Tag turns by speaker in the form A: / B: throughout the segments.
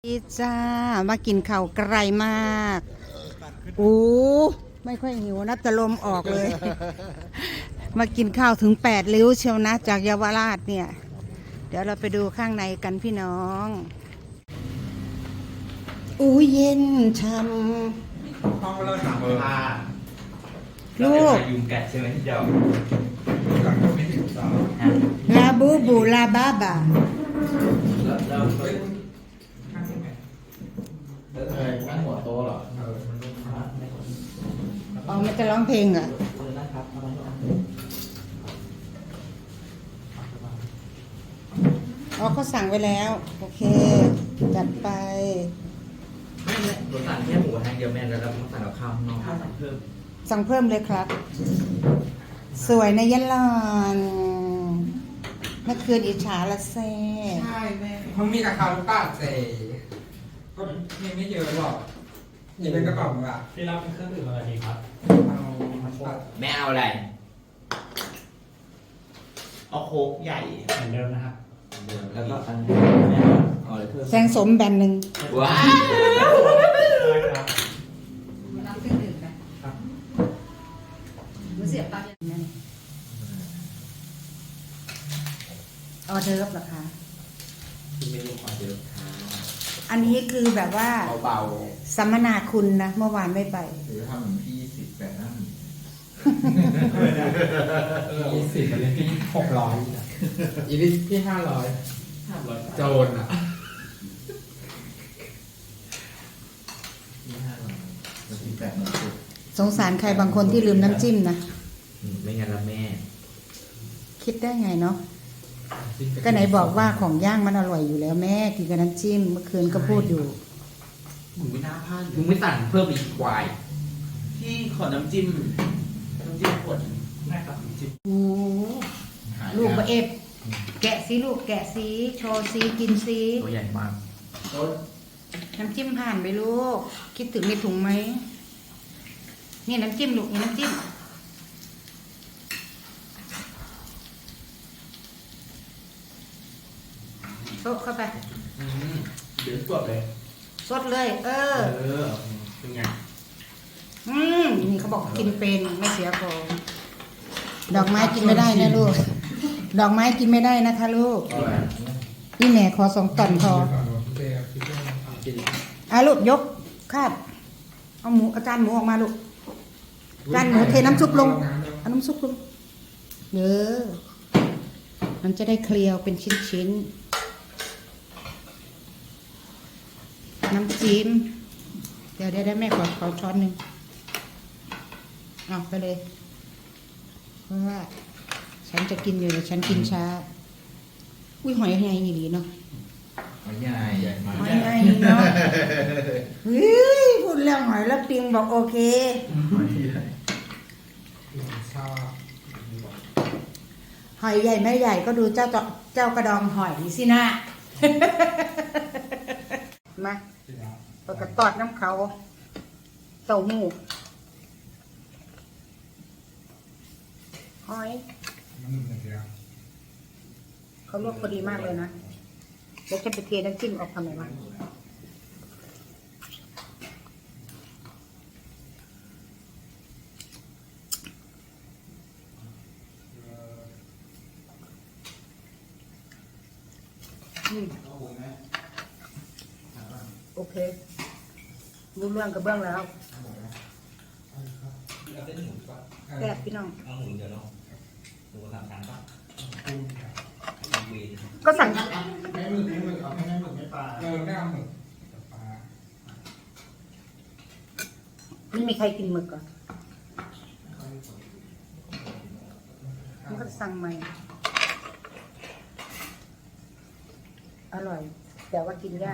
A: ดีจ้ามากินข้าวไกลมากอู้ไม่ค่อยหิวนะแต่ลมออกเลย มากินข้าวถึง8 ริ้วเชียวนะจากเยาวราชเนี่ยเดี๋ยวเราไปดูข้างในกันพี่น้องอู้เย็นช่ำ
B: ห้องเราสั่งผ้า
A: ลูก
B: ยุงกัดใช่ไหมที่เดียวกัดก็ไม่ถึงต่อ
A: ลาบูบูลาบาบา
B: แล้ว
C: นั่งหัวโตเหรอ
A: อ๋อมันจะร้องเพลงเหรออ๋อเขาสั่งไว้แล้วโอเคจัดไป
B: ไม่หนูสั่งแค่หมูทางเดียวแม่แล้วเราต้องสั่งกับข้าวข้างนอกสั่งเพิ่ม
A: สั่งเพิ่มเลยครับ สวยนะยะลอนเมื่อคืนอิจฉาละเซ่
D: ใช่แม่เขามีราคาลูกป้าเซ่ก็ไม่เยอะหรอกนี่เป็นกระเป๋าแบบ
E: ที่รับเป็นเครื่องดื่มอะไรดีครับ
D: เอา
B: แม่เอาอะไรเอาโค้กใหญ่
E: เหมือนเดิมนะครับ
B: แล้วก็อันแม่เอาอะไรเพิ่ม
A: แซงสมแบนหนึ่ง
B: ว้า
E: ได้ครับ
A: รับเครื่องดื่มนะครับ รู้เสียปากนั่นออเดิร์ฟเหรอคะ
B: คุณไม่รู้ขอเจอค่ะ
A: อันนี้คือแบบว่า
C: เบา
A: สัมมนาคุณนะเมื่อวานไม่ไป
C: ๆหรือทำเหมือนพี่10แต่นั่ง
D: 20อันนี้พี่600อีลิสพี่500
C: โจรอ่ะมัน18หมดสุด
A: สงสารใครบางคนที่ลืมน้ำจิ้มนะ
B: ไม่งั้นละแม่
A: คิดได้ไงเนาะก็ไหนบอกว่าของย่างมันอร่อยอยู่แล้วแม่กินกับน้ำจิ้มเมื่อคืนก็พูดอยู่
B: มึงไม่น่าพลาดมึงไม่สั่งเพิ่มอีกควายพี่ขอน้ำจิ้มขวด
E: ได้ครับจิบ
A: โอ้ลูกบะเอฟแกะสิลูกแกะสิโชว์สิกินสิ
B: ตัวใหญ่มาก
A: น้ำจิ้มผ่านไปลูก คิดถึงในถุงไหมนี่น้ำจิ้มลูกนี่น้ำจิ้มโซะเข้าไป
B: เดี๋ยวสดเลย
A: สดเลย เออ
B: เป็นไง
A: นี่เขาบอกกินเป็นไม่เสียของดอกไม้กินไม่ได้นะลูก ดอกไม้กินไม่ได้นะคะลูกนี่แม่ขอ2 ตอนพอลูกยกคาบเอาหมูอาจารย์หมูออกมาลูกอาจารย์หมูเทน้ำซุปลงเอาน้ำซุปลงมันจะได้เคลียวเป็นชิ้นๆน้ำจิ้มเดี๋ยวได้แม่ขอช้อนหนึ่งเอาไปเลยเพราะว่าฉันจะกินอยู่แต่ฉันกินช้าอุ้ยหอยไงนี่ดีเนาะ
C: ใหญ่ใหญ่มาก
A: หอยไงเนาะเฮ้ยพูดเรื่องหอยแล้วปิงบอกโอเค
D: ชอบ
A: หอยใหญ่ไม่ใหญ่ก็ดูเจ้ากระดองหอยสินะ มาปกระตอดน้ำเขาเต้าหู้หอย
D: มันเหมือนเดิม
A: เขาลวกพอดีมากเลยนะแล้วจะไปเทน้ำจิ้มออกทำไมวะโอเครู้เรื่องกับเบื้องแล้วแซ่บพี่น้อง
B: เอาหมูเดี๋ยวเนาะหมูสามชั้นป่ะวี
A: ก็สั่ง
C: ไม่หมึกเอาแค่หมึกไม่ปลา
D: ไม่เอาหมึกปลา
A: ไม่มีใครกินหมึกเหรอ่ะมันก็สั่งใหม่อร่อย แต่ว่ากินยาก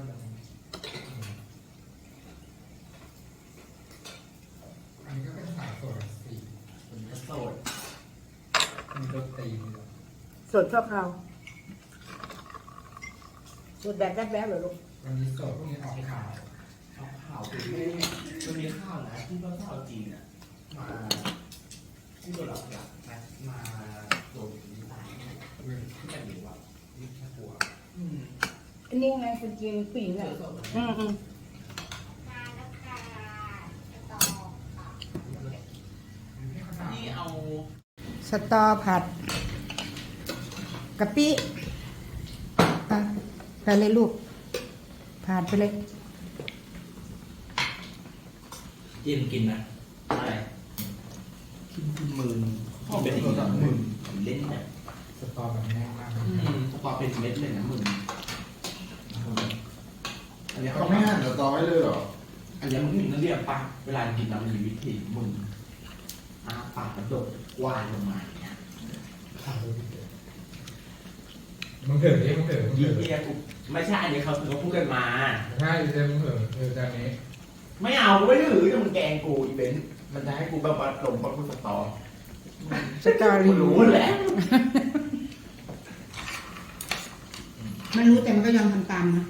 D: อันนี้ก็เป็นสายโซดาสี
C: เป็นกระโสด
D: มีรสตีน
A: สดชอบเราสดแบบแวบๆเหรอลูก
D: วันนี้โซดพวกนี้ออกขาว
B: ข้าวคือมันมีข้าวนะที่ว่าข้าวจีนอ่ะมาที่ตัวเราอยากมาโดนที่ตายที่แบบอยู่แบบนี่แค่กลัว
A: อันนี้ไงเป็นจริงปีนแหละอืม
B: นี่เอา
A: สตอผัดกะปิอ่ะไปเลยลูกผ่านไปเลย
B: จิ้มกินนะอะไรกินมือพ่อเป็นอีกแบบมือเล่นแบบ
D: สตอแบบแน่นมาก
B: สปอร์เป็นเม็ดเลยนะมึงอันนี้
C: เขาไม่หั่นสตอไว้เลยเหรอ
B: อันนี้มึงต้องเรียกปะเวลากินเรามีวิธีมึงปากกระโดดวานลงมาอย่างเงี้ย
D: มึงเถอะดิมึงเถอะมึง
B: ยี่
D: เถอะ
B: เรียกไม่ใช่อันนี้เขาพูดกันมา
D: ใช่เดี๋ยวมึงเถอะจานนี้
B: ไม่เอาไม่ถือจะมึงแกงกูอีเวนต์มันจะให้กูแบบว่าลงกับกูสตอ
A: สตอ
B: กู
A: รี่
B: รู้แหละ
A: ไม่รู้แต่มันก็ยอมทำตามนะ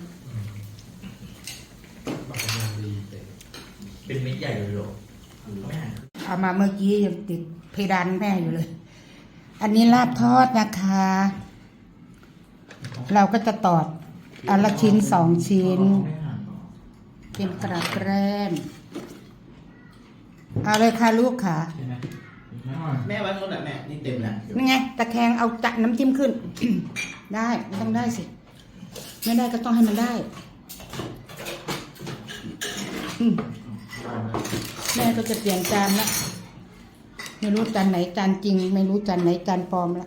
D: บักกำลังดีเตะ
B: เป็นเม็ดใหญ่เลยหรอไม่หัน
A: เอามาเมื่อกี้ยังติดเพดานแม่อยู่เลย อันนี้ลาบทอดนะคะ เราก็จะตอดอันละชิ้น2 ชิ้น
C: ไม่หั่นหรอ
A: เป็นกระแกล้มเอาเลยค่ะลูกค่ะ
E: ใช่ไหม
B: แม่ไว้ตรงไหนแม่นี่เต็มแล้ว
A: นี่ไงตะแคงเอาจัดน้ำจิ้มขึ้น ได้ไม่ต้องได้สิไม่ได้ก็ต้องให้มันได้อืมแม่ก็จะเปลี่ยนจานละไม่รู้จานไหนจานจริง ไม่รู้จานไหนจานปลอมละ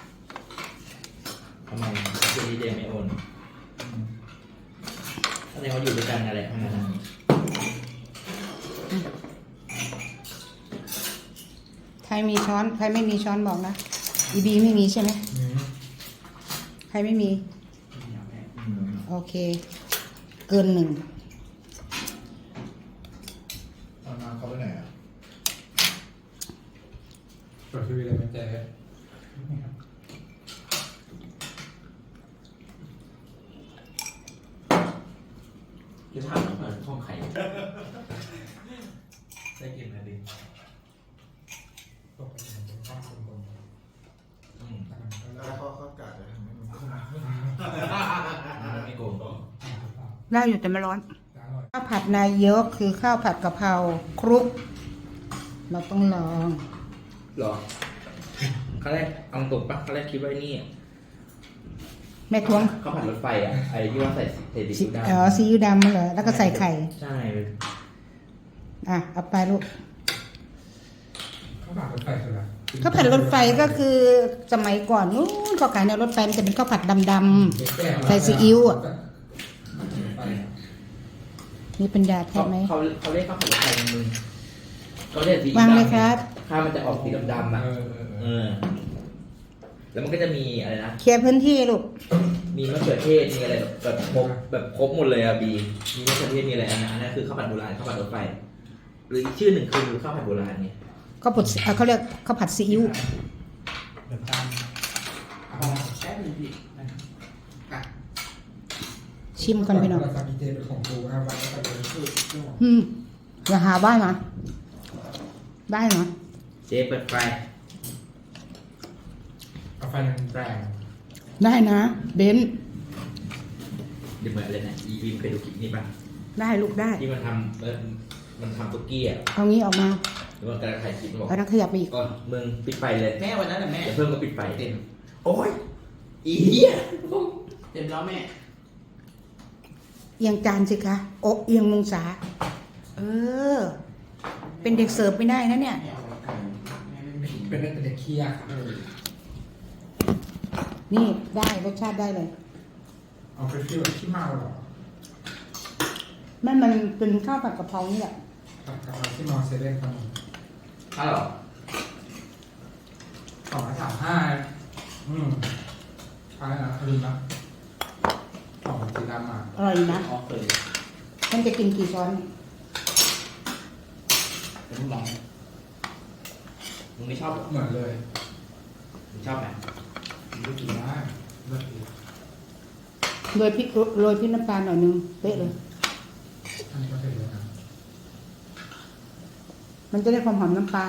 B: ทำไมคือดีเดย์ไม่โอนแสดงว่าอยู่ด้วยกันอะไรทั้งนั้น
A: ใครมีช้อนใครไม่มีช้อนบอกนะอีบีไม่มีใช่ไหมใครไม่มี โอเค เกิน1
C: เอาน้ำเขาไปไหนอ่ะ
D: เปิดทีวีเลยมันจะ
B: จะถามว่าเปิดห้องใครได้กินอะไรดี
D: ตกไปถึงข้างบน
C: แล้วเขากะจะทำให้มันขึ้น
B: ไม่โกง
A: ได้อยู่แต่ไม่ร้อน
D: อร่อย
A: ข้าวผัดนายกคือข้าวผัดกะเพราคลุก เราต้องลอง
B: หรอเขาแรกเอาตกปะเขาแรกคิดว่านี่
A: แม่ทวง
B: เขาผัดรถไฟอ่ะไอ้ที่ว่าใส่เศษดิบด
A: อ๋อซีอิ๊วดำเหรอแล้วก็ใส่ไข่
B: ใช่
A: อ่ะเอาไปลูก
D: ข้าวผัดรถไฟคืออะไร
A: ข้าวผัดรถไฟก็คือสมัยก่อนนู้นเขาขายในรถไฟมันจะเป็นข้าวผัดดำๆใส่ซีอิ๊วอ่ะมีปัญญาแท้ไหม
B: เขาเรียกข้าวผัดรถไฟมึงเขาเรียกสี
A: วางเลยครับ
B: ข้าวมันจะออกสีดำๆอ่ะ
D: เออ
B: แล้วมันก็จะมีอะไรนะ
A: เคลียร์พื้นที่ลูก
B: มีมะเขือเทศ มีอะไรแบบครบแบบครบหมดเลยอะบี มีมะเขือเทศ มีอะไรอันนั้นคือข้าวผัดโบราณข้าวผัดรถไฟ หรืออีกชื่อหนึ่งคือข้าวผัดโบราณเนี่ย
A: ข้าวผัดเขาเรียกข้าวผัดซีอิ๊ว
E: เดี๋ยวตาม
B: แป๊บนึงพี่
A: ชิมกันไปหน่อย
D: เราจะมีเจเป็นของกูนะวันนี้ก็เลยคือ
A: อย่าหาบ้านนะได้เนาะ
B: เจ๊เปิดไฟ
D: เอาไฟแรง
A: ได้นะเบนซ์
B: เดี๋ยวเหมือนอะไรนะอีบีมเคยดูคลิปนี้ป่ะ
A: ได้ลูกได้
B: ที่มันทำมันทำตุ๊กกี้อ่ะ
A: เอางี้ออกมา
B: แล้วมันกำลังถ่ายคลิปมันบอก
A: เอานักขยับไปอีก
B: ก็มึงปิดไฟเลย
F: แม่วันนั้นแหละแม่
B: เดี๋ยวเพิ่มก็ปิดไฟ
F: เต็ม
B: โอ้ยอีเหี้ย
F: เต็มแล้วแม่
A: เอียงจานสิคะโอะเอียงมงศาเออ เป็นเด็กเสิร์ฟไม่ได้นะเนี่ย
F: แม่เอาไก่แม่ไม่กิน
D: เป็นเด็กเคี้ย
A: นี่ได้รสชาติได้เลย
D: เอาไปฟิวขี้เมาหรอ
A: มันเป็นข้าวผัดกะเพรานี่แหละ
D: กับเอาที่มอเซเว่นครับ
B: ฮัลโหล
D: 235อะไรนะลืมนะของสีดำอ่ะ
A: อร่อยนะ
F: อ๋อเคย
A: มันจะกินกี่ช้อน
F: เป็นลอง
B: มึงไม่ชอบเหรอ
D: เหมือนเลย
B: มึงชอบไหม
D: ไม่กินได้เลิกกิน
A: โรยพริกน้ำปลาหน่อยนึงเป๊ะเลย
D: อันนี้ก็เสร็จแล้วนะ
A: มันจะได้ความหอมน้ำปลา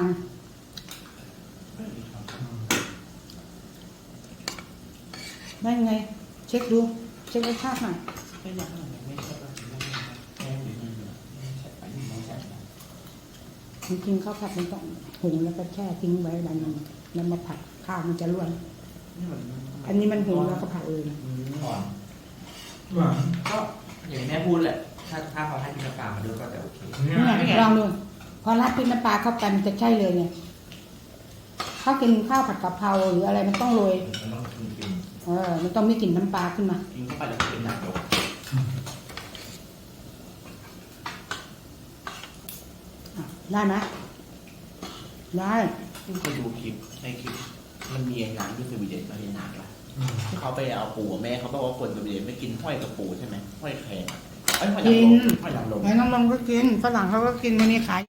A: ได้ไง เช็คดูเช็ครสชาติหน่อย
F: ไม่อยากไม่ใช่ว่าแค่หรือไม่ใช่ไปไม่ใช่
A: จริงๆข้าวผัดมันต้องหุงแล้วก็แช่ทิ้งไว้วันนึงแล้วมาผัดข้าวมันจะร่วน
F: นี่มัน
A: อันนี้มันหุงแล้วก็ผัดเลยนะ
F: อ่อน
D: หวาน
F: ก็อย่างแม่พูดแหละถ้าเขาให้กินน้ำปลามาด้วยก็จะโอเค
A: เนี่ยลองดูพอราดพริกน้ำปลาเข้าไปมันจะใช่เลยเนี่ยถ้ากินข้าวผัดกะเพราหรืออะไรมันต้องโรย
B: มันต้องกิน
A: มันต้องมีกลิ่นน้ำปลาขึ้นมา
F: กินเข้าไปแล้วเป็นหนักยก
A: ได้ไหมได้
F: ซึ่งเคยดูคลิปในคลิปมันมีงานที่สวีเดนมาเรียนหนักละที่เขาไปเอาปูแม่เขาบอกว่าคนสวีเดนไม่กินห้อยกับปูใช่ไหมห้อยแครงห้อยนางรมห้อยนางรม
A: ไอ้น้องลงก็กินฝรั่งเขาก็กินวันนี้ขาย